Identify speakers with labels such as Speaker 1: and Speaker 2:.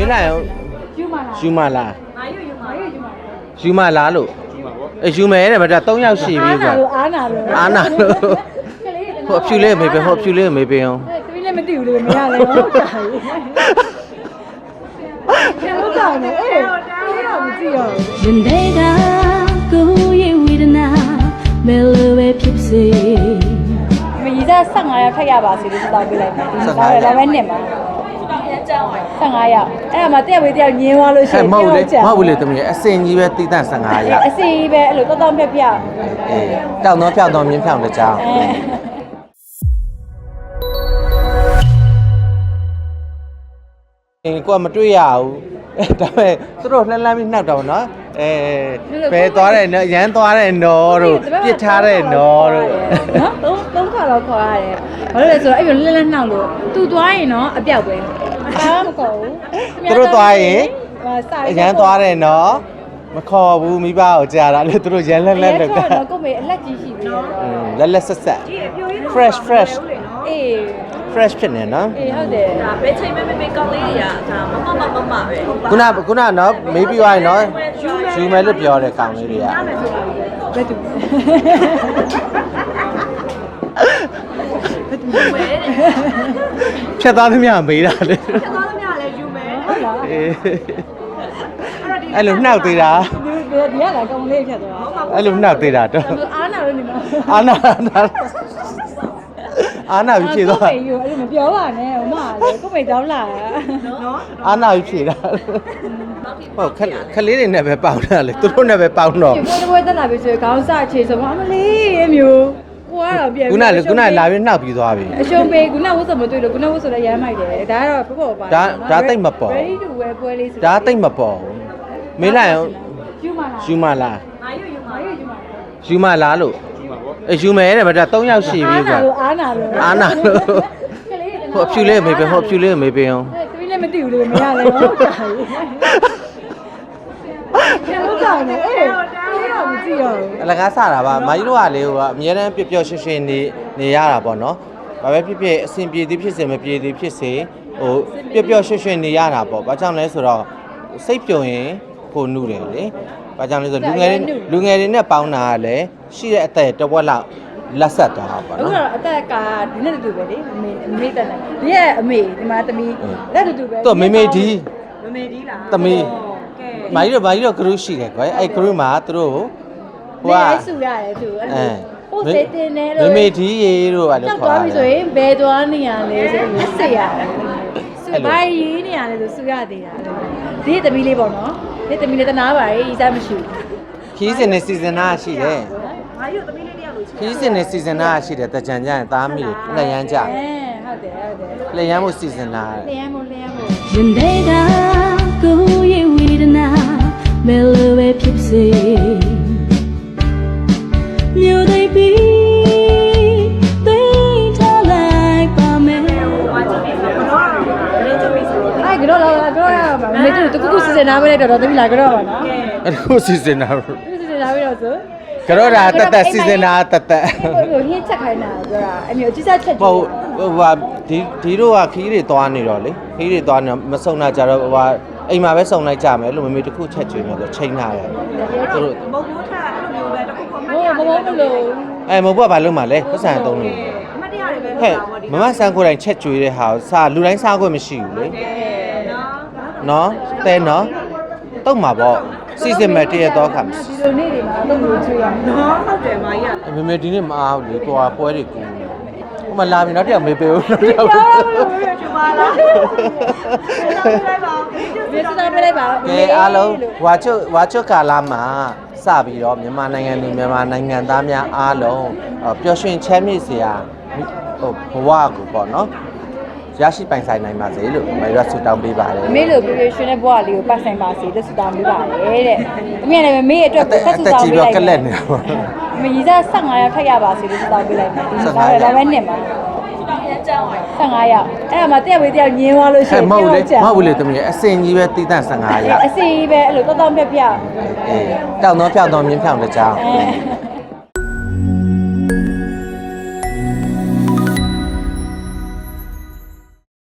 Speaker 1: မေးလိုက်အောင်ယူမလားယူမလားလို့ယူမယ်တဲ့ဗျာ3ယောက်ရှိပြီကွာအားနာလို့ဟိုအဖြူလေးမေးပေးဟိုအဖြူလေးမေးပေးအောင်
Speaker 2: သမီးလည်းမသိဘူးလေမရလဲဟုတ်တာကျန်လို့ကောင်းတယ်အေးတော့မကြည့်ရဘူး
Speaker 3: Day da go ye with na mellowဖြစ်စေ
Speaker 2: မကြီးစား15ရောက်ထက်ရပါစေလို့တောင်းပေးလိုက်တယ်ဒီစားရလည်းပဲနှစ်မှာ15ရောက်အဲ့ဒါမှတက်ဝေးတယောက်ညင်းသွားလို့ရှိရင်
Speaker 1: မဟုတ်ဘူးလေသမီးအစင်ကြီးပဲတိတန့်15ရက်
Speaker 2: အစီပဲအဲ့လိုတောင်းပြပြ
Speaker 1: အေးတောင်းတော့ဖြောက်တော့မြင်းဖြောက်တဲ့ကြောင်းကိုကမတွေ့ရဘူးဒါပေမဲ့သူတို့လှမ်းပြီးနှောက်တော့နော်ဘယ်သွားတယ်နော်ရမ်းသွားတယ်နော်တို့ပြစ်ထားတယ်နော်တို့
Speaker 2: နော်သုံးခါတော့ခေါ်ရတယ်ဘာလို့လဲဆိုတော့အဲ့လိုလှမ်းနှောက်လို့သူသွားရင်နော်အပြောက်ပဲဘာမှမခေါ်ဘူး
Speaker 1: သူတို့သွားရင်ရမ်းသွားတယ်နော်မခေါ်ဘူးမိဘကိုကြာတာလေသူတို့ရမ်းလက်
Speaker 2: တော့ကိုမေအလက်ကြီးရှိပြီ
Speaker 1: လက်ဆက် fresh
Speaker 2: အေး
Speaker 1: fresh ဖြစ်နေနော်
Speaker 2: အေးဟုတ်တယ်
Speaker 4: ဒါပဲချိန်မဲမဲကောင်းလေးတွေကဒါမမပဲ
Speaker 1: ခုနနော်မေးပြီးသွားရင်နော်ယူမယ်လို့ပြောတယ်ကောင်လေးတွေက
Speaker 2: ဘယ်သူ
Speaker 1: ဖြတ်သားသမျှမေးတာလေ
Speaker 4: ဖြတ်သွားသမျှလည်းယူမယ်ဟုတ်လား
Speaker 1: အဲ့လိုနှောက်သေးတာ
Speaker 2: ဒီကလည်းကောင်းလေးဖြတ်သွား
Speaker 1: အဲ့လိုနှောက်သေးတာတော့
Speaker 2: အားနာလို့နေမှာ
Speaker 1: အာနာပြီးဖြေသွား
Speaker 2: ကိုမေယူအဲ့လိုမပြောပါနဲ့ဟိုမှာလေကိုမေတောင်းလာ
Speaker 1: နော်အာနာပြီးဖြေတာဟုတ်ခလေးတွေနဲ့ပဲပေါင်းတာလေသူတို့နဲ့ပဲပေါင်းတော့
Speaker 2: ဒီဘွဲတက်လာပြီဆိုရင်ခေါင်းစအခြေဆိုမှအမလေးအမျိုးကိုကတော့ပြန်
Speaker 1: ခုနလာပြီးနှောက်ပြီးသွားပြီ
Speaker 2: အရှုံးပေးခုနဝတ်စမတွေ့လို့ခုနဝတ်ဆိုလည်းရမ်းမိုက်တယ်ဒါကတော့ပေါ့ပါ
Speaker 1: ဒါတိတ်မပေါ်
Speaker 2: ready to wear ပွဲလေးဆို
Speaker 1: ဒါတိတ်မပေါ်မေးလိုက်အောင်ယူမလားယူမလားလို့ယူမယ်တဲ့ဗျာ3ယောက်ရှိပြီကွာ
Speaker 2: အားနာလို့
Speaker 1: ဟိုအဖြူလေးမေးပေးဟိုအဖြူလေးမေးပေးအောင်
Speaker 2: သမီးလည်းမသိဘူးလေမရလဲဟုတ်တာကျန်လို့ကောင်းတယ်အေးတော့မကြည့်ရဘူး
Speaker 1: အလကားစတာပါမာကြီးတို့ကလေဟိုကအများတန်းပျော်ရွှင်ရွှင်နေရတာပေါ့နော်ဘာပဲဖြစ်ဖြစ်အဆင်ပြေသည်ဖြစ်စေမပြေသည်ဖြစ်စေဟိုပျော်ရွှင်ရွှင်နေရတာပေါ့ဘာကြောင့်လဲဆိုတော့စိတ်ပြုံရင်ကိုနုတယ်လေဘာကြောင့်လဲဆိုလူငယ်တွေနဲ့ပေါင်းတာကလည်းရှိတဲ့အသက်တစ်ဝက်လောက်လက်ဆက်သွားတာပေါ့နော်
Speaker 2: အခုတော့အသက်ကဒီနဲ့တူပဲလေအမေတက်တယ်ဒီရဲ့အမေဒီမှာသမီးလက်တူပဲ
Speaker 1: သူမေမေဒီ
Speaker 4: လား
Speaker 1: သမီးမာကြီးတို့ group ရှိတယ်ကွယ်အဲ့ group မှာသူတို့
Speaker 2: ဟိုကဆူရတယ်သူအဲ့ဟိုစေတင်နေလို့
Speaker 1: မေမေဒီရေတို့ကလည်း
Speaker 2: ခေါ်သွားပြီဆိုရင်ဘယ်သွားနေရလဲဆိုရင်စစ်ရတယ်ဆူဘာရေးနေရလဲဆိုဆူရသေးတာဒီသမီးလေးပေါ့နော်ဒီသမီးလေးတနာပါရေးဤစားမရှိဘူး
Speaker 1: ခီးစင်နဲ့စီဇန်နာရှိတယ်
Speaker 4: မာကြီးတို့သမီးလေးတယောက်လို့
Speaker 1: ခီးစင်နဲ့စီဇန်နာရှိတယ်တကြံကြရင်သားမိတွေလက်ရမ်းကြ
Speaker 2: ဟုတ်တယ်
Speaker 1: လက်ရမ်းမှုစီဇန်နာ
Speaker 2: လက်ရမ်းမှု
Speaker 3: Day da go ye with na mellowဖြစ်စေမြို့သိပြီသိထားလိုက်ပါမယ်
Speaker 2: အဲ့ကတော့လာပြောရပါမေတူတကူစီစဉ်ထားပေးလိုက်တော့သမီးလာကြတော့ပါနော်
Speaker 1: အဲ့ဒါစီစဉ်တာ
Speaker 2: စီစဉ်ထားပေးတော့ဆို
Speaker 1: ကြောတာတက်စီစဉ်တာတက်
Speaker 2: ဟိုဟင်းချက်ခိုင်းတာပြောတာအမျိုးအကြီးစားချက်
Speaker 1: ဟိုဒီတို့ကခီးတွေသွားနေတော့လေခီးတွေသွားနေမစုံတာကြတော့ဟိုအိမ်မှာပဲစုံလိုက်ကြမယ်လို့မမေတစ်ခုချက်ကျွေးမယ်ဆိုချိန်ထားတယ်
Speaker 4: သူတို့မဟုတ်ဘူးထားအဲ့လိုမျိုးပဲတစ်ခုခုမှတ်
Speaker 2: ရမဟုတ်လို့
Speaker 1: မဟုတ်ဘူးကဘာလို့မှလဲပတ်စံသုံးလို့
Speaker 4: အမှတ်တရတွေပဲ
Speaker 1: ဟဲ့မမဆန်းကိုယ်တိုင်ချက်ကျွေးတဲ့ဟာစားလူတိုင်းစားခွင့်မရှိဘူးလေနော်တဲနော်တုတ်မှာပေါ့စီစဉ်မဲ့တရတော့ခါမရှိ
Speaker 2: ဒီလိုနေ့တွေမှာတော့လို့ချွေးရမယ်
Speaker 4: နော်ဟုတ်တယ်မာကြီးက
Speaker 1: မေဒီနေ့မအားဘူးလေတွာပွဲတွေကူဟိုမှာလာပြီနောက်တစ်ယောက်မေပေးဦးနောက်တစ်ယောက်
Speaker 4: ကျပါလား
Speaker 2: မေစတာပြလိုက်ပါ
Speaker 1: ကဲအားလုံးဝါချွတ်ကာလာမှာစပြီးတော့မြန်မာနိုင်ငံသူမြန်မာနိုင်ငံသားများအားလုံးပျော်ရွှင်ချမ်းမြေ့စရာဟိုဘဝကိုပေါ့နော်ရရှိပိုင်ဆိုင်နိုင်ပါစေလို့မရဆူတောင်းပေးပါတယ်
Speaker 2: မေလို့ပြေရွှင်တဲ့ဘဝလေးကိုပတ်ဆိုင်ပါစေလို့ဆူတောင်းပေးပါတယ်တဲ့။အမေလည်းမေအတွက်ကိုဆက်ဆူတောင်းပေးလို
Speaker 1: က်ကလက်နေတာပေါ့
Speaker 2: ။မကြီးစား15ရောက်ထက်ရပါစေလို့ဆူတောင်းပေးလိုက်မယ်။ဒီစားလည်းပဲနှစ်မှာ15ရောက်အဲ့ဒါမှတက်ဝေးတယောက်ညင်းသွားလို့ရှိရင်
Speaker 1: မဟုတ်ဘူးလေသမီးအစင်ကြီးပဲတိတန့်15ရောက်
Speaker 2: အစီပဲအဲ့လိုတောင်းပြ
Speaker 1: အေးတောင်းတော့ဖြောက်တော့မြင်းဖြောက်တဲ့ကြောင်း